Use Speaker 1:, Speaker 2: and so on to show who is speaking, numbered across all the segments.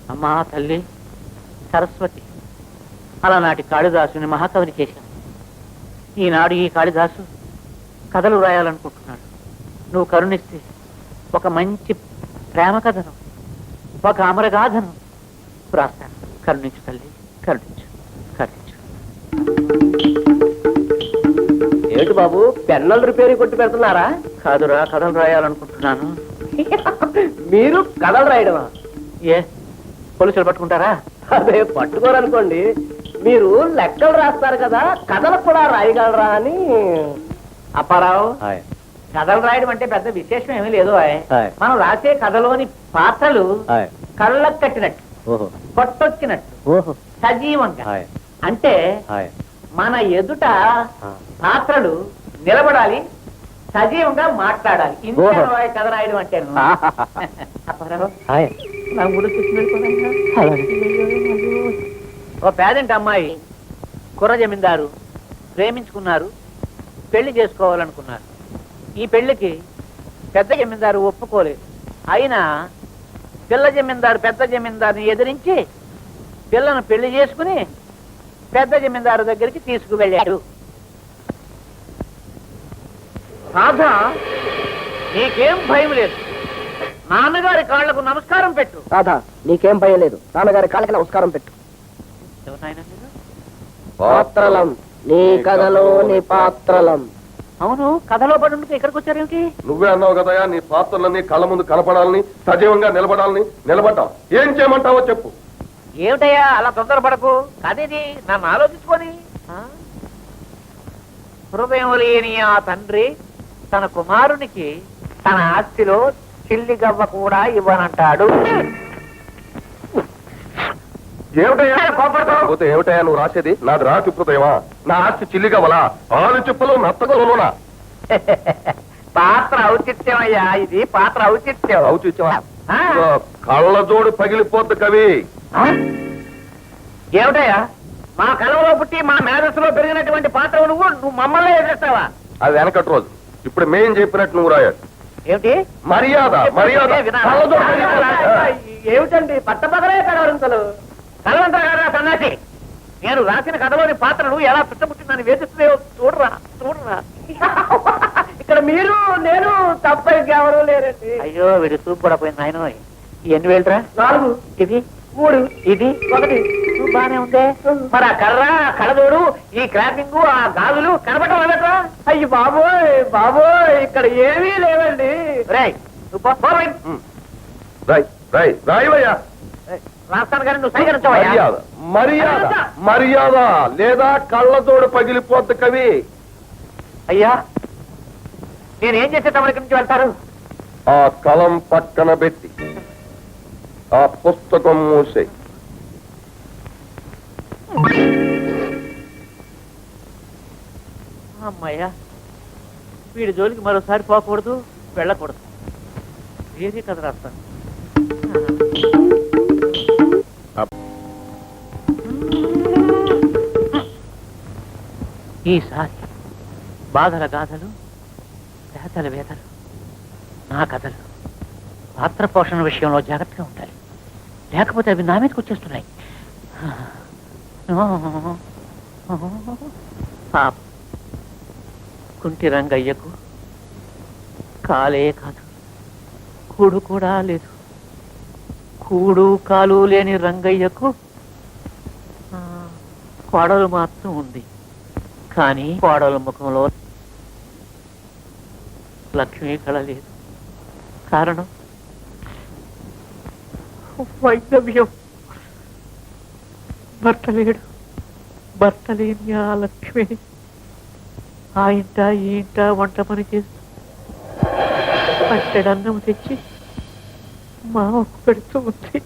Speaker 1: అమ్మా తల్లి సరస్వతి, అలనాటి కాళిదాసుని మహాకవిని చేశాను. ఈనాడు ఈ కాళిదాసు కథలు రాయాలనుకుంటున్నాడు. నువ్వు కరుణిస్తే ఒక మంచి ప్రేమ కథను, ఒక అమరగాథను రాస్తాను. కరుణించు తల్లి, కరుణించు, కరుణించు.
Speaker 2: ఏమిటి బాబు, పెన్నులు రిపేరీ కొట్టి పెడుతున్నారా?
Speaker 1: కాదురా, కథలు రాయాలనుకుంటున్నాను.
Speaker 2: మీరు కథలు రాయడమా?
Speaker 1: ఏ పోలీసులు పట్టుకుంటారా?
Speaker 2: అదే పట్టుకోరనుకోండి, మీరు లెక్కలు రాస్తారు కదా, కథలు కూడా రాయగలరా అని.
Speaker 1: అప్పారావు, కథలు రాయడం అంటే పెద్ద విశేషం ఏమీ లేదు. మనం రాసే కథలోని పాత్రలు కళ్ళకు కట్టినట్టు, కొట్టొచ్చినట్టు, సజీవంగా. అంటే మన ఎదుట పాత్రలు నిలబడాలి, సజీవంగా మాట్లాడాలి. ఇంత కథ రాయడం అంటే ఓ పేదంటి అమ్మాయి, కుర్ర జమీందారు ప్రేమించుకున్నారు, పెళ్లి చేసుకోవాలనుకున్నారు. ఈ పెళ్లికి పెద్ద జమీందారు ఒప్పుకోలేదు. అయినా పిల్ల జమీందారు పెద్ద జమీందారుని ఎదిరించి పిల్లను పెళ్లి చేసుకుని పెద్ద జమీందారు దగ్గరికి తీసుకువెళ్ళాడు. రాధా, నీకేం భయం లేదు, నాన్నగారి కాళ్లకు నమస్కారం పెట్టు.
Speaker 2: రాధా, నీకేం భయం లేదు, నాన్నగారి కాళ్ళకి నమస్కారం పెట్టు. పాత్రలం, నీ కథలో నీ పాత్రలం.
Speaker 1: అవును, కథలో పడి ఇక్కడికి వచ్చారేమిటి?
Speaker 3: నువ్వే అన్నావు కదయా, నీ పాత్రలన్నీ కళ్ళ ముందు కనపడాలని, సజీవంగా నిలబడాలని. నిలబడ్డావు, ఏం చేయమంటావో చెప్పు.
Speaker 1: ఏమిటయ్యా అలా తొందరపడకు, కదేది నన్ను ఆలోచించుకొని. హృదయం లేని ఆ తండ్రి తన కుమారునికి తన ఆస్తిలో చిల్లి గవ్వ కూడా ఇవ్వనంటాడు.
Speaker 3: ఏమిటయ్యా కోపడతావు? ఏమిటయ్యా నువ్వు రాసేది? నాది రాసి హృదయమా? నా ఆస్తి చిల్లిగవలా, ఆలు చెప్పులు నత్తగలలోనా?
Speaker 1: పాత్ర ఔచిత్యం అయ్యా, ఇది పాత్ర ఔచిత్యం.
Speaker 3: ఔచిత్యమా? కళ్ళజోడు పగిలిపోద్దు కవి.
Speaker 1: ఏమిటయ్యా, మా కళలో పుట్టి మా మేధస్సులో పెరిగినటువంటి పాత్ర నువ్వు మమ్మల్ని ఎదురుస్తావా?
Speaker 3: అది వెనకటి రోజు, ఇప్పుడు మేం చెప్పినట్టు నువ్వు రాయాలి.
Speaker 1: ఏమిటి
Speaker 3: మర్యాద? మర్యాద
Speaker 2: ఏమిటండి పట్టపగలే కలవరింతలు?
Speaker 1: కలవంతరా గారా సన్నాసి, నేను రాసిన కథలోని పాత్రను ఎలా పుట్టముట్టిందని వేధిస్తున్నాయో చూడరా, చూడరా.
Speaker 2: ఇక్కడ మీరు నేను తప్ప ఇంకెవరూ లేరండి.
Speaker 1: అయ్యో, వీడు చూపు కూడా పోయింది ఆయన. ఎన్ని వేలురా?
Speaker 2: 4,
Speaker 1: ఇది
Speaker 2: 3,
Speaker 1: ఇది
Speaker 2: 1.
Speaker 1: బానే ఉందే. మరి ఆ కర్ర, కళ్ళజోడు, ఈ క్రాపింగ్, ఆ గాజులు కనపడటం లేదట్రా?
Speaker 2: అయ్యి బాబోయ్ బాబోయ్, ఇక్కడ ఏమీ లేవండి.
Speaker 1: రేయ్,
Speaker 3: రాయవయ్యా.
Speaker 1: రాస్తాను కానీ నువ్వు సైకరించవయ్యా.
Speaker 3: మర్యాద, మర్యాద, మర్యాద లేదా కళ్ళజోడు పగిలిపోద్దు కవి.
Speaker 1: అయ్యా, నేనేం చేసే తమ ఇక్కడి నుంచి వెళ్తారు?
Speaker 3: ఆ కలం పక్కన పెట్టి ఆ పుస్తకం మూసే.
Speaker 1: అమ్మాయ్యా, వీడి జోలికి మరోసారి పోకూడదు, వెళ్ళకూడదు. ఏది కథ రాస్తాను. ఈసారి బాధల గాథలు, వేతల వేతలు, నా కథలు పాత్ర పోషణ విషయంలో జాగ్రత్తగా ఉండాలి, లేకపోతే అవి నా మీదకి వచ్చేస్తున్నాయి. పాప కుంటి రంగయ్యకు కాలే కాదు, కూడు కూడా లేదు. కూడు కాలు లేని రంగయ్యకు కోడలు మాత్రం ఉంది. కానీ కోడల ముఖంలో లక్ష్మీ కళ లేదు. కారణం వైద్యం. భర్త లేడు, భర్త లేని ఆ లక్ష్మి ఆ ఇంట ఈ ఇంట వంట పని చేస్తూ పట్టెడన్నం తెచ్చి మామకు పెడుతూ ఉంది.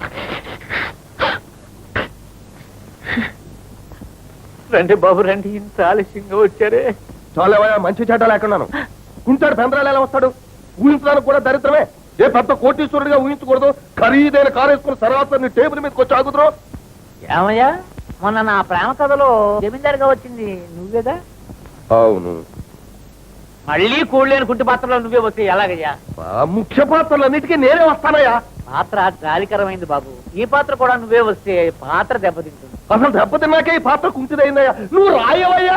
Speaker 1: రండి బాబు రండి, ఇంత ఆలస్యంగా వచ్చారే.
Speaker 3: చాలేవయ్యా, మంచి చెడ్డ లేకున్నాను. కుంటాడు పెందరాలు ఎలా వస్తాడు? ఊహించడానికి కూడా దరిద్రమే. ఏ పెద్ద కోటీశ్వరుడిగా ఊహించకూడదు. ఖరీదైన కారు వేసుకుని సరాసరి టేబుల్ మీదకి వచ్చి ఆగుతురు.
Speaker 1: ఏమయ్యా, మొన్న నా ప్రేమ కథలో జమీందారుగా వచ్చింది నువ్వేదా?
Speaker 3: అవును.
Speaker 1: మళ్ళీ కూడలేని కుంటి పాత్రలో నువ్వే వస్తే ఎలాగయ్యా?
Speaker 3: ముఖ్య పాత్రలన్నిటికీ నేనే వస్తానయ్యా.
Speaker 1: పాత్ర జాలికరమైంది బాబు. ఈ పాత్ర కూడా నువ్వే వస్తే పాత్ర దెబ్బతింటుంది.
Speaker 3: అసలు దెబ్బతిన్నాకే ఈ పాత్ర కుంచిదైందయ్యా. నువ్వు రాయవయ్యా.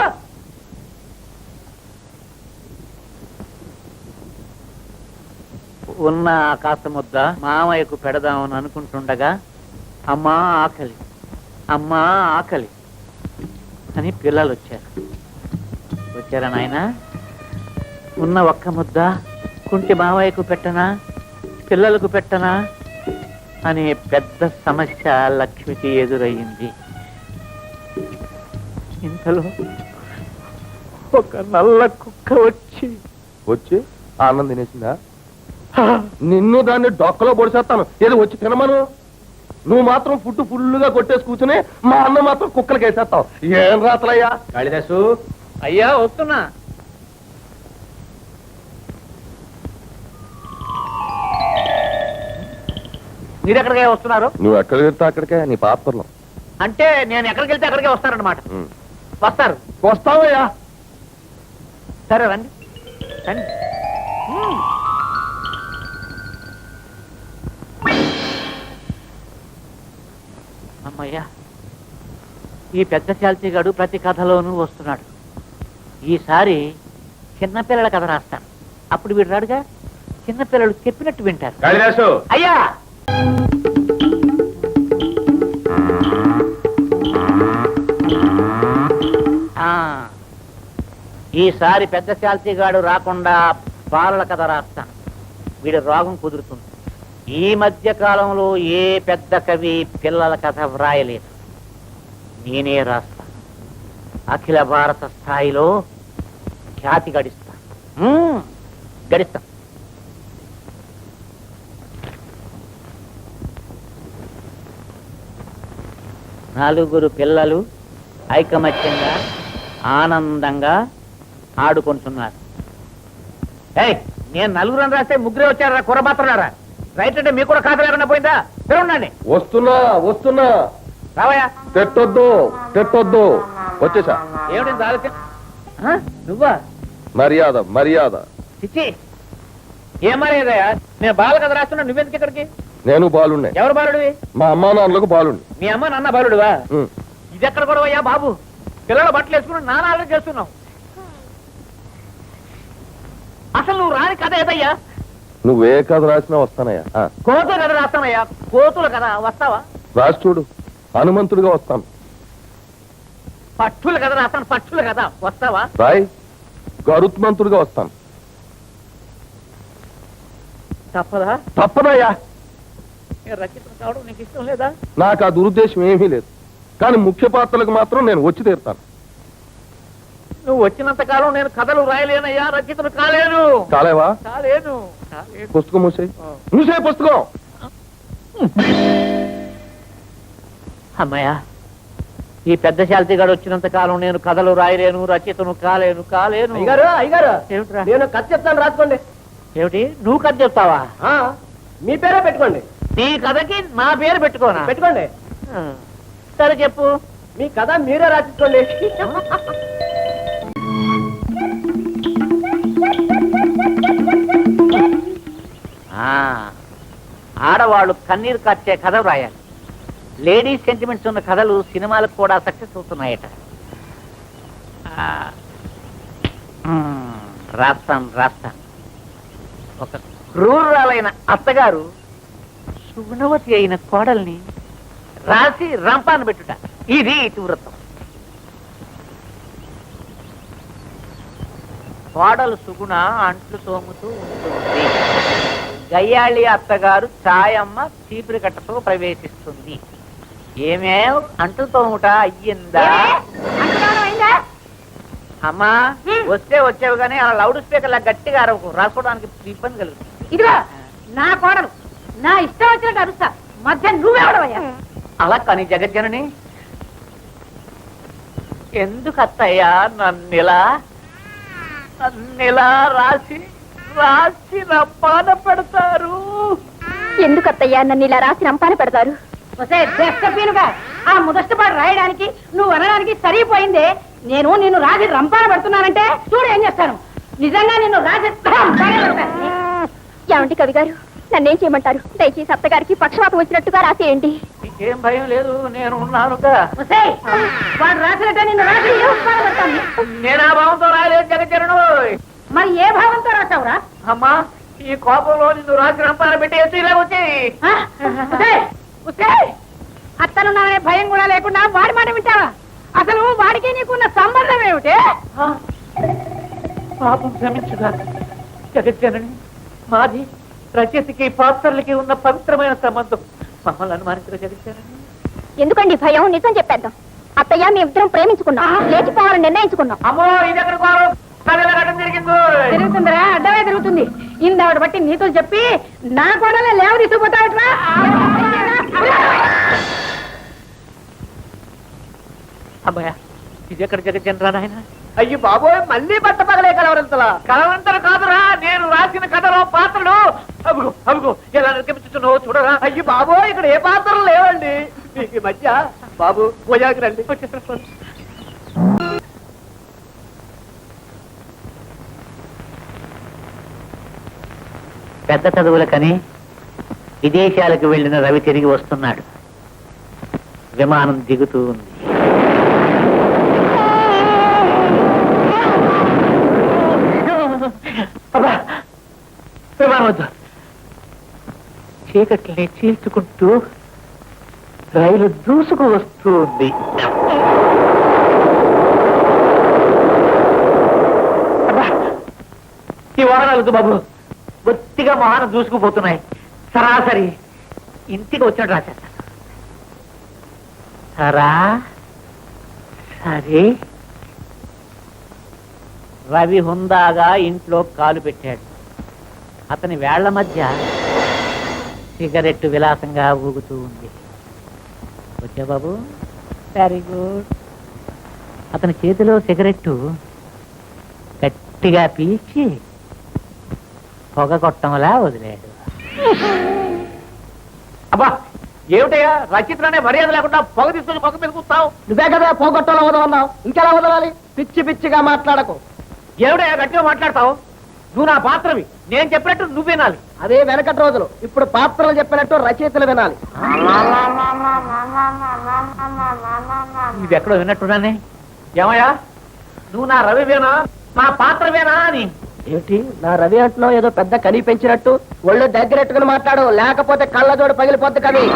Speaker 1: ఉన్న కాస్త ముద్ద మామయ్యకు పెడదామని అనుకుంటుండగా అమ్మా ఆకలి, అమ్మా ఆకలి అని పిల్లలు వచ్చారా నాయన? ఉన్న ఒక్క ముద్ద కుంటి మామయ్యకు పెట్టనా, పిల్లలకు పెట్టనా అనే పెద్ద సమస్య లక్ష్మికి ఎదురయ్యింది. ఇంతలో ఒక నల్ల కుక్క
Speaker 3: వచ్చి ఆనందం తినేసిందా? నిన్ను దాన్ని డొక్కలో పొడిచేస్తాను. ఏదో వచ్చి తినమను. నువ్వు మాత్రం ఫుడ్ ఫుల్గా కొట్టేసి కూర్చుని మా అన్న మాత్రం కుక్కలకి వేసేస్తావు. ఏం రాతలయ్యా?
Speaker 2: కాళిదాసు
Speaker 1: అయ్యా వస్తున్నా. మీరు ఎక్కడికే వస్తున్నారు?
Speaker 3: నువ్వు ఎక్కడికి వెళ్తే అక్కడికే, నీ పాత్రలో.
Speaker 1: అంటే నేను ఎక్కడికి వెళ్తే అక్కడికే వస్తారన్నమాట. వస్తారు.
Speaker 3: వస్తావయ్యా.
Speaker 1: సరే రండి రండి. అమ్మయ్యా, ఈ పెద్ద శాల్తీగాడు ప్రతి కథలోనూ వస్తున్నాడు. ఈసారి చిన్నపిల్లల కథ రాస్తాను. అప్పుడు వీడు రాడుగా, చిన్నపిల్లలు చెప్పినట్టు వింటారు.
Speaker 2: కాళిదాసు
Speaker 1: అయ్యా ఈసారి పెద్ద శాల్తీగాడు రాకుండా బాలల కథ రాస్తాను. వీడి రోగం కుదురుతుంది. ఈ మధ్య కాలంలో ఏ పెద్ద కవి పిల్లల కథ వ్రాయలేదు. నేనే రాస్తా. అఖిల భారత స్థాయిలో ఖ్యాతి గడిస్తా. నలుగురు పిల్లలు ఐకమత్యంగా ఆనందంగా ఆడుకుంటున్నారు. నేను నలుగురని రాస్తే ముగ్గురే వచ్చారా? కుర్రబాత్రలారా? రైట్ అంటే మీకు కూడా ఖాతా లేకుండా పోయిందా? ఉండండి.
Speaker 3: వస్తున్నా.
Speaker 1: రావయ్యా.
Speaker 3: తెట్టొద్దు. వచ్చేసా.
Speaker 1: ఏమిటి ఆలోచన? నువ్వా?
Speaker 3: మర్యాద.
Speaker 1: చిచ్చి, ఏం మర్యాదయా? నేను బాల కథ రాస్తున్నా, నువ్వెందుకు ఇక్కడికి?
Speaker 3: నేను బాలుండే.
Speaker 1: ఎవరు బాలుడివి?
Speaker 3: మా అమ్మా నాన్నలకు బాలుండి.
Speaker 1: మీ అమ్మ నాన్న బాలుడివా? ఇది ఎక్కడ కూడా అయ్యా బాబు? పిల్లలు బట్టలు వేసుకుని నానాలు చేస్తున్నావు. అసలు నువ్వు రాని కథ ఏదయ్యా?
Speaker 3: నువ్వే కథ రాసినా వస్తానయ్యా.
Speaker 1: కోతుల కథ రాస్తానయ్యా. కోతుల కథ వస్తావా?
Speaker 3: రాసి చూడు. హనుమంతుడిగా వస్తాను.
Speaker 1: పక్షుల కథ రాస్తాను. పక్షుల కథ వస్తావా?
Speaker 3: రాయ్. గరుత్మంతుడిగా వస్తాను. తప్పదయ్యా.
Speaker 1: రచితం కావడం నీకు ఇష్టం లేదా?
Speaker 3: నాకు ఆ దురుద్దేశం ఏమీ లేదు. కానీ ముఖ్య పాత్రలకు మాత్రం నేను వచ్చి తీరుతాను.
Speaker 1: నువ్వు వచ్చినంత కాలం నేను కథలు రాయలేనయ్యా, రచితను కాలేను.
Speaker 3: కాలేవా?
Speaker 1: కాలేను.
Speaker 3: పుస్తకం మూసే పుస్తకం.
Speaker 1: అమ్మయ్యా, ఈ పెద్ద శాల్తీగాడు వచ్చినంత కాలం నేను కథలు రాయలేను, రచితను కాలేను.
Speaker 2: అయ్యగారు
Speaker 1: ఏమిట్రా?
Speaker 2: నేను కథ చెప్తాను, రాసుకోండి.
Speaker 1: ఏమిటి? నువ్వు కథ చెప్తావా?
Speaker 2: మీ పేరే పెట్టుకోండి.
Speaker 1: నీ కథకి నా పేరు పెట్టుకోనా?
Speaker 2: పెట్టుకోండి.
Speaker 1: సరే చెప్పు.
Speaker 2: మీ కథ మీరే రాసుకోండి.
Speaker 1: ఆడవాళ్ళు కన్నీరు కార్చే కథ రాయాలి. లేడీస్ సెంటిమెంట్స్ ఉన్న కథలు సినిమాలకు కూడా సక్సెస్ అవుతున్నాయట. రాస్తాను. ఒక క్రూరాలైన అత్తగారు సుగుణవతి అయిన కోడల్ని రాసి రంపాను పెట్టుట. ఇది ఇతివృత్తం. కోడలు సుగుణ అంట్లు తోముతూ ఉంటుంది. గయ్యాళి అత్తగారు ఛాయమ్మ చీపురి కట్టతో ప్రవేశిస్తుంది. ఏమే అంట్లు తోముట అయ్యిందా? అమ్మా వస్తే వచ్చేవి కానీ అలా లౌడ్ స్పీకర్ లా గట్టిగా అరవకు, రాసుకోవడానికి ఇబ్బంది కలుగుతుంది.
Speaker 4: ఇదిగో నా కోడలు, నా ఇష్టం వచ్చినట్టు అరుస్తా. మధ్య నువ్వెవడవయ్యా?
Speaker 1: అలా కానీ జగజ్జనని, ఎందుకు అత్తయ్యా నన్నిలా రాసి రంపాన పెడతారు?
Speaker 4: ఎందుకు అత్తయ్యా నన్ను ఇలా రాసి రంపాన పెడతారు? ఆ ముదష్టపాడు రాయడానికి నువ్వు అనడానికి సరిపోయిందే. నేను నిన్ను రాసి రంపాన పెడుతున్నానంటే చూడు ఏం చేస్తాను. నిజంగా నిన్ను రాసి ఏమండి కవి గారు, నన్నేం చేయమంటారు? దయచేసి అత్తగారికి పక్షవాతం వచ్చినట్టుగా రాసేయండి.
Speaker 1: ఏం భయం లేదు, నేను ఉన్నానుగా.
Speaker 4: వాడు రాసినట్టు నిన్ను రాసి
Speaker 1: నేను ఆ భావంతో రాలేదు జగచరణు.
Speaker 4: మరి ఏ భావంతో రాసావురా?
Speaker 1: అమ్మా, ఈ కోపంలో నిన్ను రాసి రంపాన పెట్టేసి ఇలా వచ్చేయి.
Speaker 4: అత్తను నానే భయం కూడా లేకుండా వాడి మాట వింటావా? అసలు వాడికి నీకున్న సంబంధం ఏమిటి?
Speaker 1: పాపం క్షమించుగా జగజ్జనని. మాది రచయితకి పాత్రలకి ఉన్న పవిత్రమైన సంబంధం. మమ్మల్ని అనుమానించిన జగజ్జనని.
Speaker 4: ఎందుకండి భయం? నిజం చెప్పేద్దాం. అత్తయ్య మేమిద్దరం ప్రేమించుకున్నాం, లేచిపోవాలని నిర్ణయించుకున్నాం.
Speaker 1: అమ్మో, ఇది ఎక్కడ కోరు జరిగిందో.
Speaker 4: తిరుగుతుందిరా, అడ్డమే తిరుగుతుంది. ఇందావిడ బట్టి నీతో చెప్పి నా కూడా లేవు తీసుకుపోతావట్రా.
Speaker 1: అమ్మాయ, ఇది ఎక్కడ జగజ్జనరా నాయన?
Speaker 2: అయ్యి బాబోయ్, మళ్ళీ బట్ట పగలే కలవరంతలా.
Speaker 1: కలవంతలు కాదురా, నేను రాసిన కథలో పాత్రలు. అబుగు అబుగు ఎలా నిర్గమిస్తున్నావో చూడరా.
Speaker 2: అయ్యి బాబోయ్, ఇక్కడ ఏ పాత్రలు లేవండి. మీకు ఈ మధ్య బాబు భోజాకి రండి.
Speaker 1: పెద్ద చదువులకని విదేశాలకు వెళ్లిన రవి తిరిగి వస్తున్నాడు. విమానం దిగుతూ ఉంది. విమానం వద్దు. చీకట్లని చీల్చుకుంటూ రైలు దూసుకు వస్తూ ఉంది. ఈ వాహనాలతో బాబు బొత్తిగా వాహనం దూసుకుపోతున్నాయి. సరాసరి ఇంటికి వచ్చినట్టు రాసేస్తాను. సరే, రవి హుందాగా ఇంట్లో కాలు పెట్టాడు. అతని వేళ్ల మధ్య సిగరెట్టు విలాసంగా ఊగుతూ ఉంది. వచ్చా బాబు? Very good. అతని చేతిలో సిగరెట్టు గట్టిగా పీల్చి పొగ కొట్టంలా వదిలేడు. అబ్బా, ఏమిటయ్యా రచిత్రనే మర్యాద లేకుండా పొగ తీసుకుని పొగ మీద కూస్తావు?
Speaker 2: నువ్వే కదా పోగొట్టలో వదలన్నావు, ఇంకెలా వదలాలి? పిచ్చి పిచ్చిగా మాట్లాడకు.
Speaker 1: ఏమిటయ్యా గట్టిగా మాట్లాడతావు? నువ్వు నా పాత్రవి, నేను చెప్పినట్టు నువ్వు వినాలి.
Speaker 2: అదే వెనకటి రోజులు. ఇప్పుడు పాత్రలు చెప్పినట్టు రచయితలు వినాలి.
Speaker 1: ఇది ఎక్కడో విన్నట్టున్నానే. ఏమయ్యా, నువ్వు నా రవివేనా, నా పాత్రవేనా అని?
Speaker 2: ఏమిటి నా రవి అంటున్నావు? ఏదో పెద్ద కని పెంచినట్టు ఒళ్ళు దగ్గరెట్టుకుని మాట్లాడు, లేకపోతే కళ్ళజోడు పగిలిపోద్ది కవి.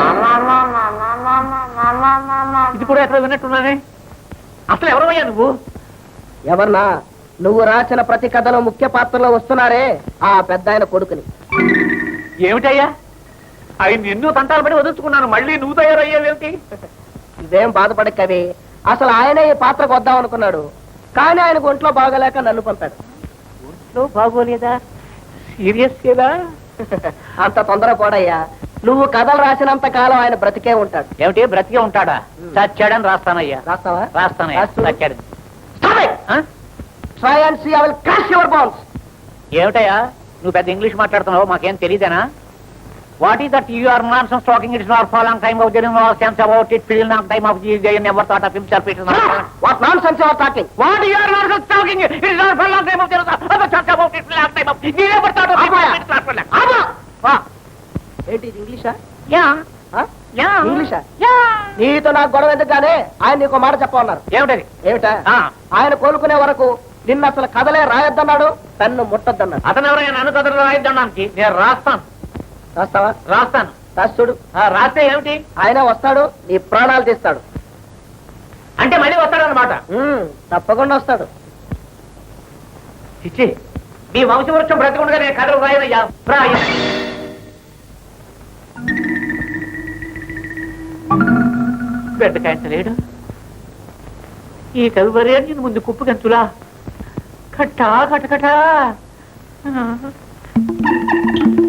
Speaker 1: ఇది కూడా ఎక్కడ విన్నట్టున్నానే. అసలు ఎవరయ్యా నువ్వు?
Speaker 2: ఎవరన్నా? నువ్వు రాసిన ప్రతి కథలో ముఖ్య పాత్రలో వస్తున్నారే ఆ పెద్ద ఆయన కొడుకుని.
Speaker 1: ఏమిటయ్యా, ఆయన నిన్ను తంటాలు పడి వదులుచుకున్నాను, మళ్ళీ నువ్వు తయారయ్యావేమిటి?
Speaker 2: ఇదేం బాధపడే కవి. అసలు ఆయనే ఈ పాత్రకు వద్దాం అనుకున్నాడు, కానీ ఆయనకు ఒంట్లో బాగలేక నన్ను పంపాడు.
Speaker 1: ఒంట్లో బాగోలేదా? సీరియస్ కదా?
Speaker 2: అంత తొందర పోడయ్యా. నువ్వు కథలు రాసినంత కాలం ఆయన బ్రతికే ఉంటాడు.
Speaker 1: ఏమిటి బ్రతికే ఉంటాడా? చచ్చాడని రాస్తానయ్యా.
Speaker 2: రాస్తావా?
Speaker 1: రాస్తానయ్యా.
Speaker 2: రాస్తూ.
Speaker 1: చచ్చాడని.
Speaker 2: Try and see, I will crush your bones.
Speaker 1: ఏమిటయ్యా, నువ్వు పెద్ద ఇంగ్లీష్ మాట్లాడుతున్నావు, మాకేం తెలియదేనా? What is that you are nonsense talking? It's not for long time of there no sense about it. Feel not time of they never thought of himself. It is not.
Speaker 2: What nonsense you are talking?
Speaker 1: What you are nonsense talking? It's not for long time of there no sense about it. Long time of they never thought of it.
Speaker 2: వా ఏంటి ఇది ఇంగ్లీషా?
Speaker 1: Yeah
Speaker 2: ఆ?
Speaker 1: Yeah
Speaker 2: ఇంగ్లీషా?
Speaker 1: Yeah.
Speaker 2: నీతో నాకు గొడవ ఎందుకుగానే ఆయన నీకు మాట చెప్పమన్నారు.
Speaker 1: ఏమిటది?
Speaker 2: ఏమిటా?
Speaker 1: ఆ.
Speaker 2: ఆయన కోలుకునే వరకు నిన్న అసలు కథలే రాయొద్దన్నాడు, తన్ను ముట్టొద్దన్నాడు.
Speaker 1: అతను ఎవరైనా నన్ను కథలు రాయిద్దానికి? నేను రాస్తాను.
Speaker 2: రాస్తావా?
Speaker 1: రాస్తాను.
Speaker 2: రాస్తుడు.
Speaker 1: రాస్తే ఏమిటి?
Speaker 2: ఆయన వస్తాడు, నీ ప్రాణాలు తీస్తాడు.
Speaker 1: అంటే మళ్ళీ వస్తాడనమాట.
Speaker 2: తప్పకుండా వస్తాడు.
Speaker 1: చిచ్చి, మీ వంశవృక్షం బ్రతికుండగా నేను కథలు రాయనయ్యా. రాయ బిడ్డకాయంతలేడు. ఈ కవివర్యాన్ని ముందు కుప్పు గంతులా కట్టా కటకటా.